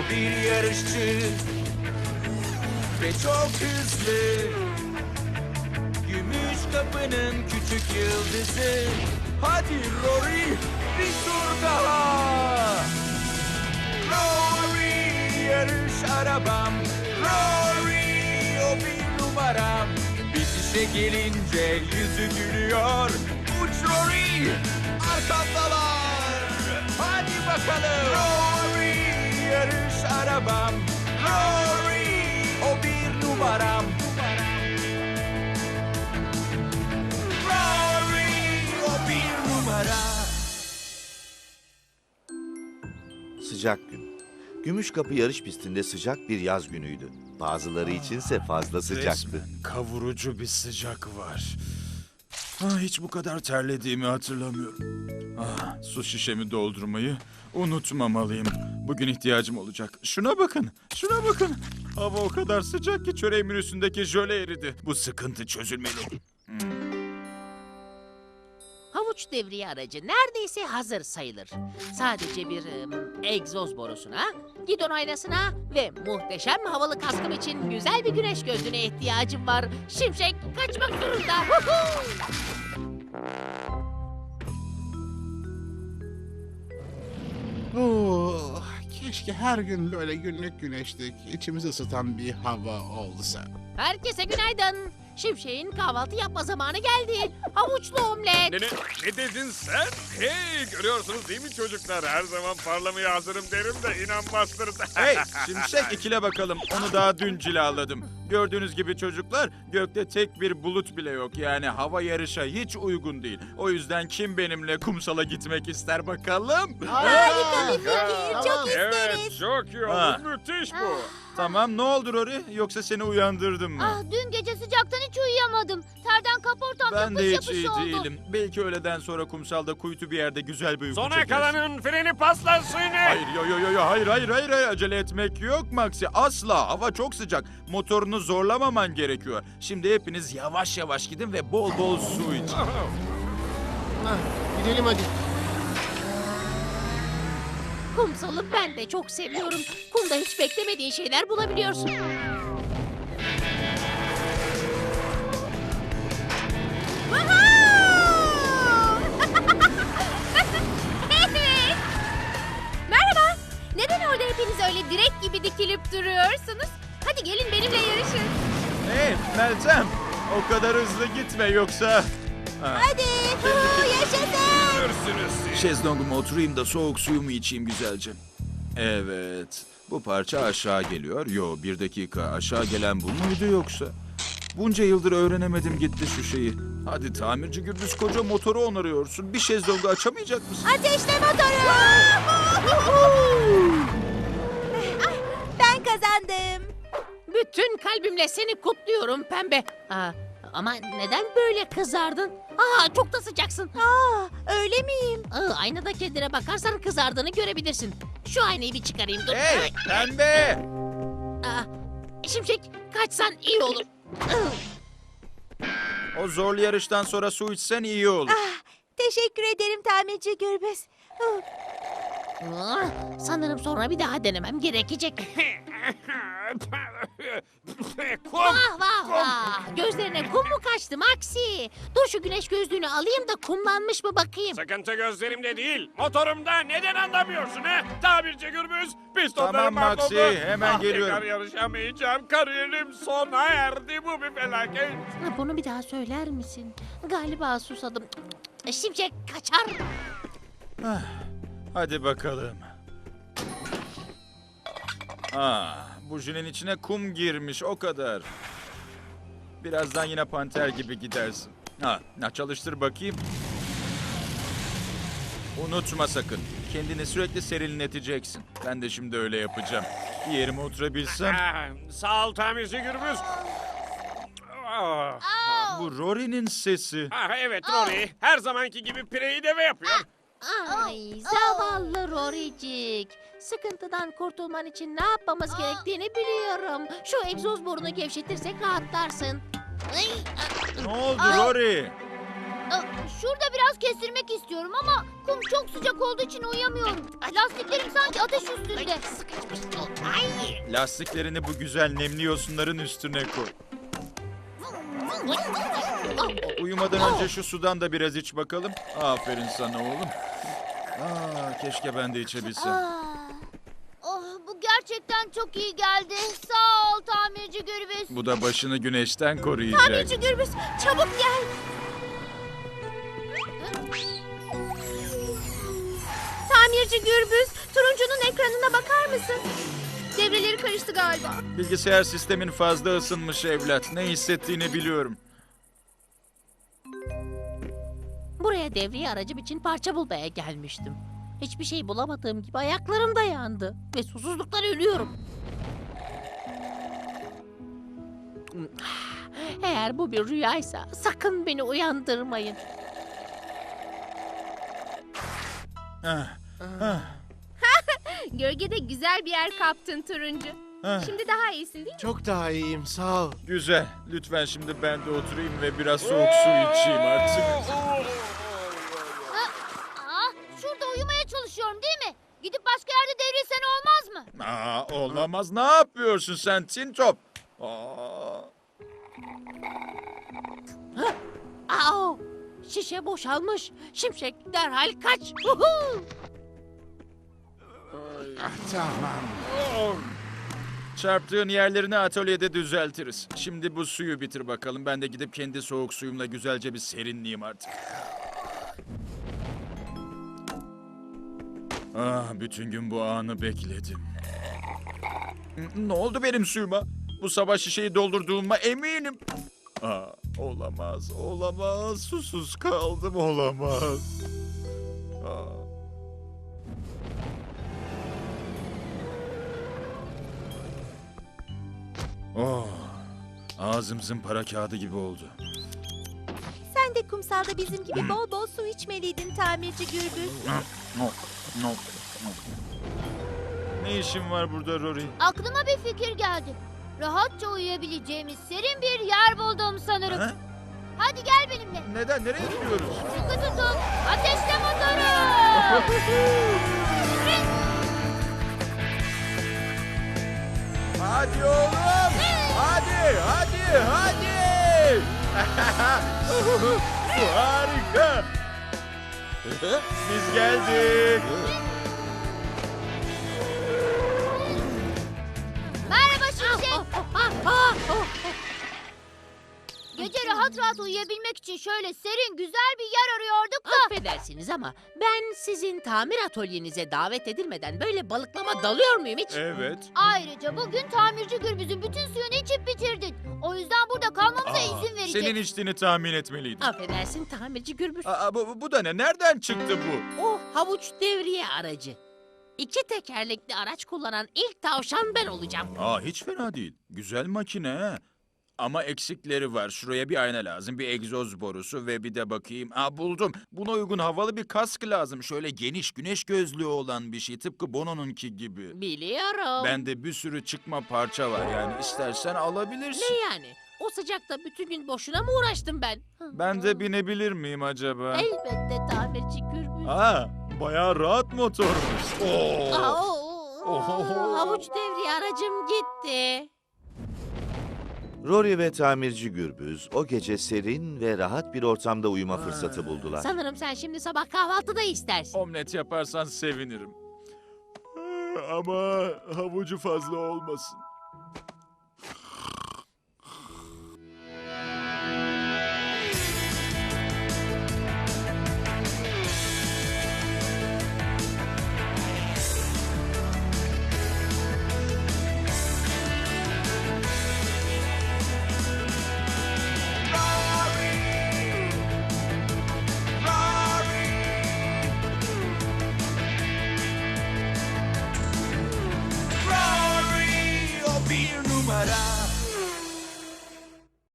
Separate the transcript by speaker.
Speaker 1: bir yarışçı ve çok hızlı. Gümüş kapının küçük yıldızı. Hadi Rory, bir tur daha. Rory, yarış arabam. Rory, o bir numaram. Bitişe gelince yüzü gülüyor. Uç Rory, arkamdalar. Hadi bakalım. Rory, yarış arabam. Rory, o bir numaram. Rory, o bir numara.
Speaker 2: Sıcak gün. Gümüşkapı yarış pistinde sıcak bir yaz günüydü. Bazıları içinse fazla sıcaktı.
Speaker 3: Resmen kavurucu bir sıcak var. Hiç bu kadar terlediğimi hatırlamıyorum. Su şişemi doldurmayı unutmamalıyım. Bugün ihtiyacım olacak. Şuna bakın, şuna bakın. Hava o kadar sıcak ki çöreğimin üstündeki jöle eridi. Bu sıkıntı çözülmeli.
Speaker 4: Havuç devriye aracı neredeyse hazır sayılır. Sadece bir egzoz borusuna, gidon aynasına ve muhteşem havalı kaskım için güzel bir güneş gözlüğüne ihtiyacım var. Şimşek kaçmak zorunda. Huhu!
Speaker 5: Keşke her gün böyle günlük güneşlik, içimizi ısıtan bir hava olsa.
Speaker 4: Herkese günaydın. Şimşek'in kahvaltı yapma zamanı geldi. Havuçlu omlet.
Speaker 6: Ne dedin sen? Hey, görüyorsunuz değil mi çocuklar? Her zaman parlamaya hazırım derim de inanmazsınız.
Speaker 3: Hey, Şimşek ikile bakalım. Onu daha dün cilaladım. Gördüğünüz gibi çocuklar, gökte tek bir bulut bile yok. Yani hava yarışa hiç uygun değil. O yüzden kim benimle kumsala gitmek ister bakalım?
Speaker 7: Harika bir fikir. Çok
Speaker 6: Evet,
Speaker 7: isteriz.
Speaker 6: çok iyi
Speaker 3: Ha.
Speaker 6: olur. Müthiş bu.
Speaker 3: Tamam, ne oldu Rory? Yoksa seni uyandırdım mı?
Speaker 7: Dün gece sıcaktan hiç uyuyamadım. Terden kaportam
Speaker 3: Ben de
Speaker 7: yapış
Speaker 3: hiç iyi
Speaker 7: yapış oldu.
Speaker 3: değilim. Belki öğleden sonra kumsalda kuytu bir yerde güzel bir uyku
Speaker 6: Sona
Speaker 3: çekersin.
Speaker 6: kalanın freni paslasın.
Speaker 3: Hayır, hayır, acele etmek yok Maxi. Asla, hava çok sıcak. Motorunu zorlamaman gerekiyor. Şimdi hepiniz yavaş yavaş gidin ve bol bol su için.
Speaker 5: Gidelim hadi.
Speaker 4: Kumsalı ben de çok seviyorum. Kumda hiç beklemediğin şeyler bulabiliyorsun.
Speaker 7: Evet. Merhaba. Neden orada hepiniz öyle direk gibi dikilip duruyorsunuz? Hadi gelin benimle yarışın.
Speaker 3: Hey Meltem, o kadar hızlı gitme yoksa...
Speaker 7: Hadi. Yaşasın.
Speaker 3: Şezlonguma oturayım da soğuk suyumu içeyim güzelce. Evet, bu parça aşağı geliyor. Bir dakika, aşağı gelen bu muydu yoksa? Bunca yıldır öğrenemedim gitti şu şeyi. Hadi tamirci Gürbüz, koca motoru onarıyorsun. Bir şezlongu açamayacak mısın?
Speaker 7: Ateşle motoru. Ben kazandım.
Speaker 4: Bütün kalbimle seni kutluyorum pembe. Ama neden böyle kızardın? Çok da sıcaksın.
Speaker 7: Öyle miyim?
Speaker 4: Aynada kendine bakarsan kızardığını görebilirsin. Şu aynayı bir çıkarayım dur.
Speaker 3: Hey pembe!
Speaker 4: Şimşek kaçsan iyi olur.
Speaker 3: O zorlu yarıştan sonra su içsen iyi olur.
Speaker 7: Teşekkür ederim tamirci Gürbüz.
Speaker 4: Sanırım sonra bir daha denemem gerekecek.
Speaker 6: Kum.
Speaker 4: Vah. Gözlerine kum mu kaçtı Maxi? Dur şu güneş gözlüğünü alayım da kumlanmış mı bakayım.
Speaker 6: Sıkıntı gözlerimde değil. Motorumda neden anlamıyorsun ha? Tabirci Gürbüz. Pistonlarım
Speaker 3: Tamam Maxi,
Speaker 6: mahvoldu.
Speaker 3: hemen geliyorum.
Speaker 6: Tekrar yarışamayacağım. Kariyerim sona erdi. Bu bir felaket.
Speaker 4: Bunu bir daha söyler misin? Galiba susadım. Şimşek kaçar.
Speaker 3: Hadi bakalım. Bujinin içine kum girmiş, o kadar. Birazdan yine panter gibi gidersin. Çalıştır bakayım. Unutma sakın. Kendini sürekli serinleteceksin. Ben de şimdi öyle yapacağım. Bir yerime oturabilsem.
Speaker 6: Sağ ol tamirci Gürbüz.
Speaker 3: Bu Rory'nin sesi.
Speaker 6: Evet Rory. Her zamanki gibi pireyi deve yapıyor.
Speaker 4: Ay zavallı Rory'cik. Sıkıntıdan kurtulman için ne yapmamız gerektiğini biliyorum. Şu egzoz borunu gevşetirsek rahatlarsın.
Speaker 3: Ne oldu Rory?
Speaker 7: Şurada biraz kestirmek istiyorum ama kum çok sıcak olduğu için uyuyamıyorum. Lastiklerim sanki ateş üstünde.
Speaker 4: Sıkışmış. Ay.
Speaker 3: Lastiklerini bu güzel nemli yosunların üstüne koy. Uyumadan önce şu sudan da biraz iç bakalım. Aferin sana oğlum. Keşke ben de içebilsem.
Speaker 7: Bu gerçekten çok iyi geldi. Sağ ol tamirci Gürbüz.
Speaker 3: Bu da başını güneşten koruyacak.
Speaker 7: Tamirci Gürbüz, çabuk gel. Tamirci Gürbüz, turuncunun ekranına bakar mısın? Devreleri karıştı galiba.
Speaker 3: Bilgisayar sistemin fazla ısınmış evlat. Ne hissettiğini biliyorum.
Speaker 4: Buraya devriye aracım için parça bulmaya gelmiştim. Hiçbir şey bulamadığım gibi ayaklarım da yandı. Ve susuzluktan ölüyorum. Eğer bu bir rüyaysa sakın beni uyandırmayın.
Speaker 7: Gölgede güzel bir yer kaptın turuncu. Şimdi daha iyisin değil mi?
Speaker 5: Çok daha iyiyim sağ ol.
Speaker 3: Güzel. Lütfen şimdi ben de oturayım ve biraz soğuk su içeyim artık.
Speaker 7: Şurada uyumaya çalışıyorum değil mi? Gidip başka yerde devrilsen olmaz mı?
Speaker 3: Olamaz. Ne yapıyorsun sen Tintop?
Speaker 4: Au! Şişe boşalmış. Şimşek derhal kaç. Huhu!
Speaker 5: Tamam.
Speaker 3: Çarptığın yerlerini atölyede düzeltiriz. Şimdi bu suyu bitir bakalım. Ben de gidip kendi soğuk suyumla güzelce bir serinleyeyim artık. Bütün gün bu anı bekledim. Ne oldu benim suyuma? Bu sabah şişeyi doldurduğuma eminim. Olamaz, olamaz. Susuz kaldım, olamaz. Ağzım zımpara kağıdı gibi oldu.
Speaker 8: Sen de kumsalda bizim gibi bol bol su içmeliydin tamirci Gürbüz.
Speaker 3: Ne işin var burada Rory?
Speaker 7: Aklıma bir fikir geldi. Rahatça uyuyabileceğimiz serin bir yer buldum sanırım.
Speaker 3: Ha?
Speaker 7: Hadi gel benimle.
Speaker 3: Neden? Nereye gidiyoruz?
Speaker 7: Sıkı tutun. Ateşle motoru.
Speaker 3: Hadi oğlum! Hadi! Bu harika! Biz geldik.
Speaker 7: Merhaba Şimşek. Gece rahat rahat uyuyabilmek için şöyle serin güzel bir yer arıyorduk da.
Speaker 4: Affedersiniz ama ben sizin tamir atölyenize davet edilmeden böyle balıklama dalıyor muyum hiç?
Speaker 3: Evet.
Speaker 7: Ayrıca bugün tamirci Gürbüz'ün bütün suyunu içip bitirdin. O yüzden burada kalmamıza izin verecek.
Speaker 3: Senin içtiğini tahmin etmeliydim.
Speaker 4: Affedersin tamirci Gürbüz.
Speaker 3: Bu da ne? Nereden çıktı bu?
Speaker 4: O havuç devriye aracı. 2 tekerlekli araç kullanan ilk tavşan ben olacağım.
Speaker 3: Hiç fena değil. Güzel makine ha. Ama eksikleri var. Şuraya bir ayna lazım, bir egzoz borusu ve bir de bakayım. Buldum. Buna uygun havalı bir kask lazım. Şöyle geniş güneş gözlüğü olan bir şey. Tıpkı Bono'nunki gibi.
Speaker 4: Biliyorum.
Speaker 3: Bende bir sürü çıkma parça var yani. İstersen alabilirsin.
Speaker 4: Ne yani? O sıcakta bütün gün boşuna mı uğraştım ben?
Speaker 3: Ben de binebilir miyim acaba?
Speaker 4: Elbette tamirci Gürbüz.
Speaker 3: Bayağı rahat motormuş.
Speaker 4: Havuç devriye aracım gitti.
Speaker 2: Rory ve tamirci Gürbüz o gece serin ve rahat bir ortamda uyuma fırsatı buldular.
Speaker 4: Sanırım sen şimdi sabah kahvaltıda istersin.
Speaker 3: Omlet yaparsan sevinirim. Ama havucu fazla olmasın.
Speaker 1: Rory o bir numara.